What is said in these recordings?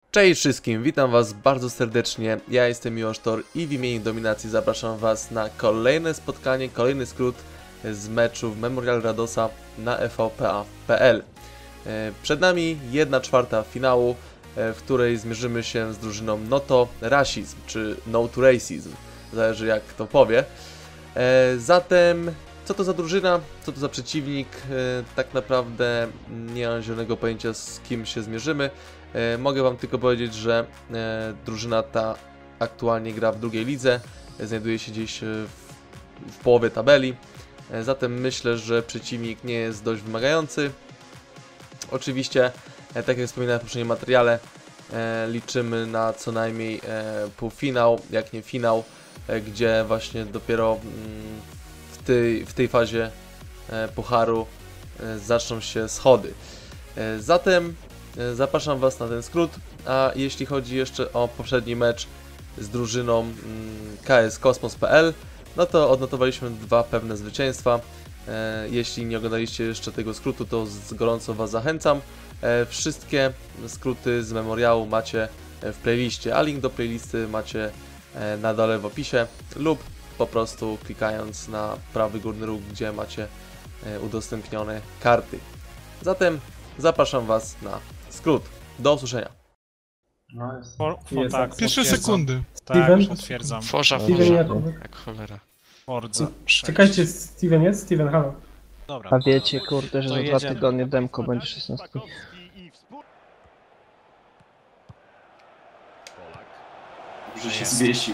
Cześć wszystkim, witam was bardzo serdecznie, ja jestem Miłosz Tor i w imieniu Dominacji zapraszam was na kolejne spotkanie, kolejny skrót z meczu w Memorial Radosa na EVPA.pl. Przed nami 1/4 finału, w której zmierzymy się z drużyną Noto Rasizm, czy No to Racism, zależy jak kto powie. Zatem, co to za drużyna, co to za przeciwnik, tak naprawdę nie mam zielonego pojęcia, z kim się zmierzymy. Mogę wam tylko powiedzieć, że drużyna ta aktualnie gra w drugiej lidze, znajduje się gdzieś w połowie tabeli, zatem myślę, że przeciwnik nie jest dość wymagający. Oczywiście, tak jak wspominałem w poprzednim materiale, liczymy na co najmniej półfinał, jak nie finał, gdzie właśnie dopiero w tej fazie pucharu zaczną się schody. Zatem zapraszam was na ten skrót, a jeśli chodzi jeszcze o poprzedni mecz z drużyną KS Kosmos.pl, no to odnotowaliśmy dwa pewne zwycięstwa. Jeśli nie oglądaliście jeszcze tego skrótu, to gorąco was zachęcam. Wszystkie skróty z memoriału macie w playliście, a link do playlisty macie na dole w opisie lub po prostu klikając na prawy górny róg, gdzie macie udostępnione karty. Zatem zapraszam was na skrót. Do usłyszenia. No jest tak, Pierwsze sekundy. Tak, Steven? potwierdzam. Forza, Steven jak cholera. Forza 6. Czekajcie, Steven jest? Steven, halo. Dobra. A wiecie, kurde, że To za 2 jedziemy. tygodnie demko będzie 16. Że się zwiesił.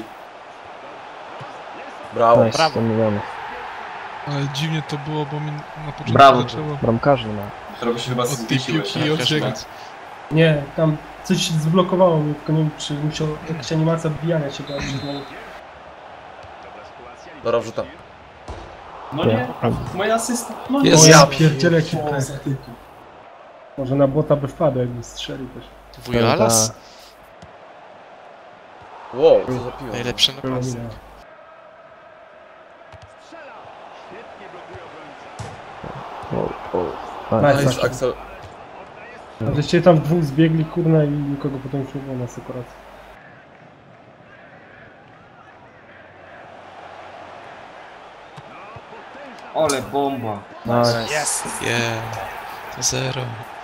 Brawo. Nice, 100 milionów. Ale dziwnie to było, bo mi na początku Brawo. zaczęło Bramkarzy ma. Którego się chyba od tej zwiesiłeś. piłki odbiegać. Nie, tam coś się zblokowało mnie, tylko nie wiem, czy musiał jakaś animacja wbijania się była. Dobra, wrzucam. No nie, moja asysta. No nie. Jest. O ja pierdzielę jaki O, pech. za typu. Może na bota by wpadł, jakby strzelił też. Wujalas? Wow, co za piwo. Najlepszy napastnik. Nice. Nice, Axel. Żeście tam dwóch zbiegli, kurna, i nikogo potem już nie było na sekuracji. Ole bomba. Nice. Jest! Yeah. To 0.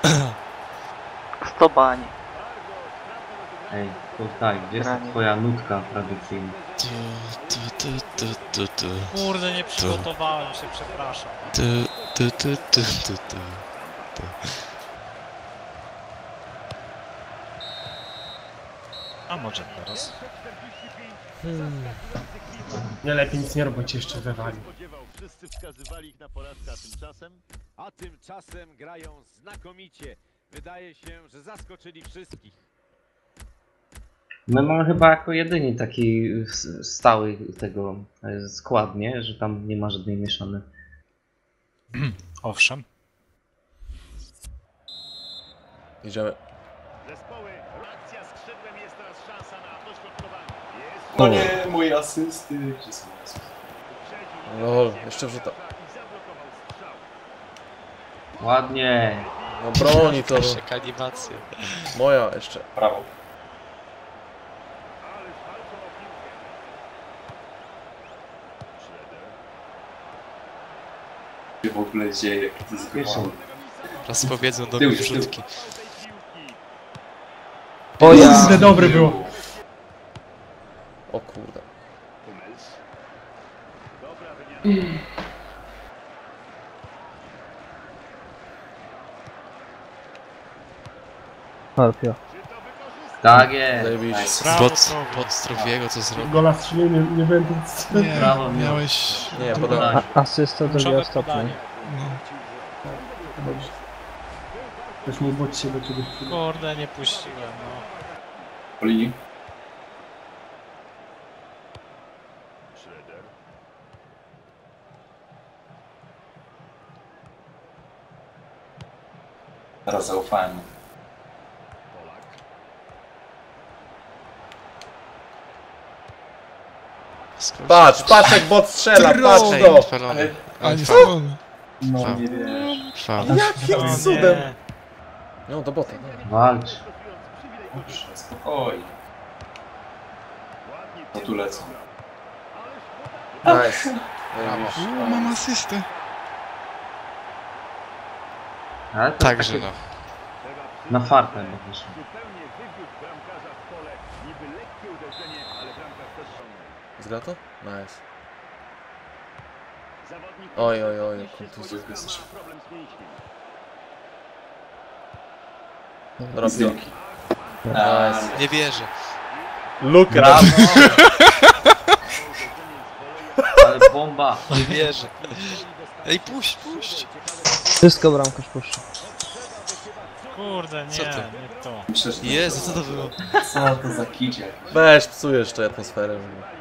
100 bań. Ej, to tak, gdzie jest Granie. twoja nutka tradycyjna? Kurde, nie przygotowałem się, przepraszam. A może teraz? Nie, lepiej nic nie robić, jeszcze wywali. Wszyscy wskazywali ich na porażkę, a tymczasem grają znakomicie. Wydaje się, że zaskoczyli wszystkich. My mamy chyba jako jedyni taki stały tego skład, nie? Że tam nie ma żadnej mieszanej. Owszem. Idziemy. Zespoły, reakcja skrzydłem, jest teraz szansa na dośrodkowanie. Jest No nie, moje asysty. Gdzie są moje asysty? Lol, jeszcze wrzucam. i zablokował strzał. Ładnie. No broni to. Jeszcze animacje. Moja jeszcze. Brawo. Ależ walczą o piłkę. Schroeder. Co się w ogóle dzieje? Jak to jest grane? Raz powiedzą do Tył, mnie tył. wrzutki. O ja! Dobre było. O kurde. Hummels. Dobra wymiana. Harpio. Tak jest. Zajebiście. Nice. Brawo, Pod Strowiego co zrobił. Gola strzelił, nie byłem tu. Nie, Brawo, miałeś... Nie, podałem. Asysta drugi kluczowe ostatni. podanie. No. Też mógł bądź siebie kiedyś. Kurde, nie puściłem, no. Po linii. Schroeder. Teraz zaufałem. Polak. Patrz, patrz jak bot strzela, patrz Ej, to! spalony. A nie Ale- spalony. No. Faul. Nie wiesz. Faul. Jakim O cudem? nie. No do bota. Walcz. Dobrze, spokojnie. No tu lecą. Nice. Mam asystę. Ale to Także takie no. na fartę by wyszło. Zupełnie wywiódł bramkarza w pole. Niby lekkie uderzenie, ale bramkarz też ciągnął. Zgra to? Nice. Zawodnik Oj, oj, oj, podniesie kontuzja. swoją ma problem z mięśniem. Dobra, Zdjęki. nice. Nie wierzę. Luka! Brawo! Ale bomba! Nie wierzę. Ej, puść. Wszystko bramkarz puszcza. Kurde, Co nie, to? nie to. Myślę, że Jezu, co to było? co to za kicie? Weź, psujesz jeszcze atmosferę.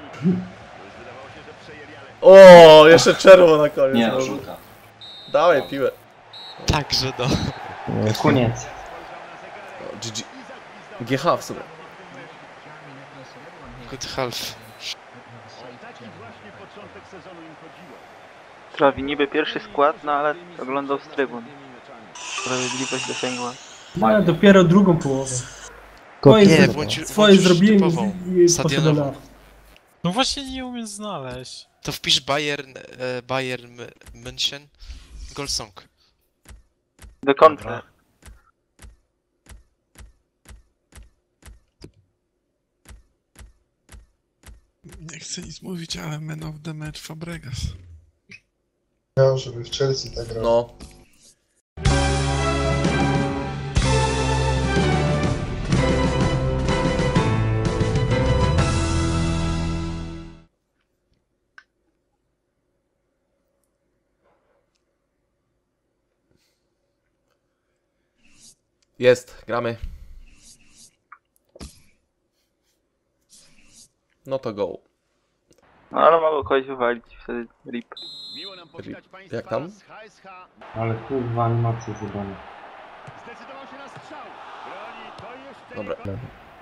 O, jeszcze czerwo na koniec. Nie no, może. żółta. Dawaj piłę. Także no. Koniec. O, GG. GH w sumie. Good half. Taki właśnie początek sezonu im chodziło. Trawi niby pierwszy skład, no ale oglądał z trybun. Sprawiedliwość dosięgła. No, dopiero drugą połowę. Nie, Swoje włączysz zrobiłem typową, i stadionową. poszedłem na... No właśnie nie umiem znaleźć. To wpisz Bayern München Goal Song. Do końca. Dobra. Nie chcę nic mówić, ale man of the match Fabregas. Miał, żeby w Chelsea tak grał. No. Jest, gramy. No to go. No ale mogło kogoś wywalić wtedy rip. Miło nam powitać państwa Jak tam? z HSH. Ale kurwa animacje zjebane. Zdecydował się na strzał. Broni to jeszcze Dobra. nie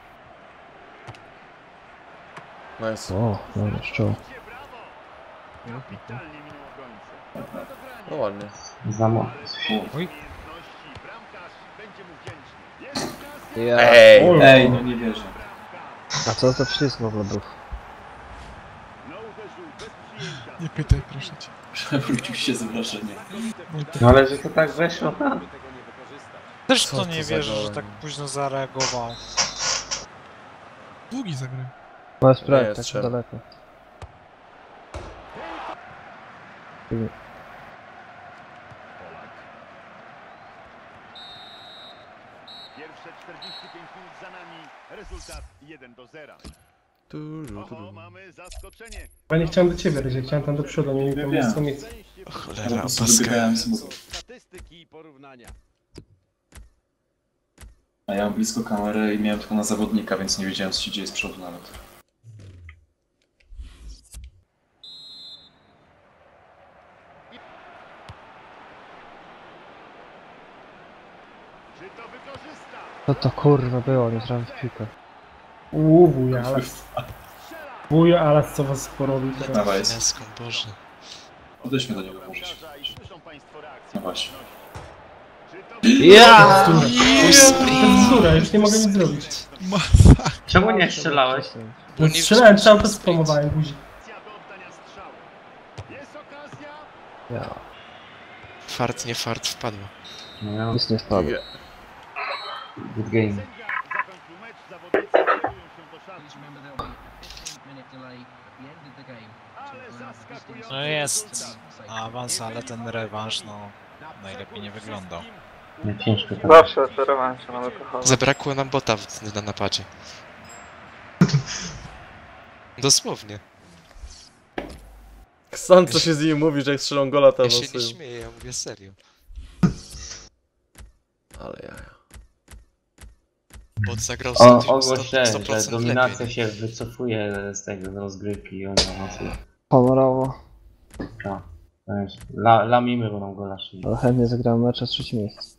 Nice. O, dobra, szczoł. brawo. Kapitalnie minął obrońcę. No ładnie. Zamo... Umiejętności. Bramkarz będzie mu wdzięczny. Jest okazja. Ja. Ej! Ej, no nie wierzę. A co to przycisk w ogóle był? No uderzył bez przyjęcia. Nie pytaj, proszę cię. Przewrócił się z wrażenia. No ale że to tak weszło tam. Też Co to to nie za wierzę, że gołem? tak późno zareagował. Długi zagraj. No Nie, sprawdź, tak strzelam. daleko. Pierwsze 45 minut za nami. Rezultat 1-0. Oho, mamy zaskoczenie. Ja nie chciałem do ciebie, Ryzie, chciałem tam do przodu, nie miałem tam Wiem. mnóstwo miejsca. Po Cholera, prostu opaska. wybiegałem z mózgu. Statystyki i porównania. A ja mam blisko kamerę i miałem tylko na zawodnika, więc nie wiedziałem co się dzieje z przodu nawet. Czy to wykorzysta? Co to kurwa było, nie trafiłem w piłkę. Wuja, ale... Wuja, ale co was porobił teraz? Dawaj, Jaską, Boże. odejdźmy do niego może. Bramkarza i słyszą państwo reakcję. No właśnie. Czy to Ja! Cenzura, już nie mogę nic zrobić. Masakra. Czemu nie strzelałeś? No nie strzelałem, cały czas sprint. spamowałem guzik. akcja do oddania strzału? Jest okazja. Ja. Fart, nie fart, wpadła. No, Nic nie spadło. good game. Sędzia zakończył mecz. Zawodnicy kierują się do szatni. Ale zaskakujący No jest rezultat. awans, ale ten rewanż, no najlepiej nie wyglądał. Nie, ciężko tak. Zawsze oferowałem się na alkohol. Zabrakło nam bota na napadzie. Dosłownie. Sam co się z nimi mówi, że jak strzelą gola to Ja się nie awansują. śmieję, ja mówię serio. Ale ja. Bot zagrał O, 100%, ogłoś się, że 100% dominacja lepiej. się wycofuje z tego, z rozgrywki i oni awansują. Honorowo. Lamimy, bo nam gola szli. Ale chętnie zagrałem mecz z trzecim miejscem.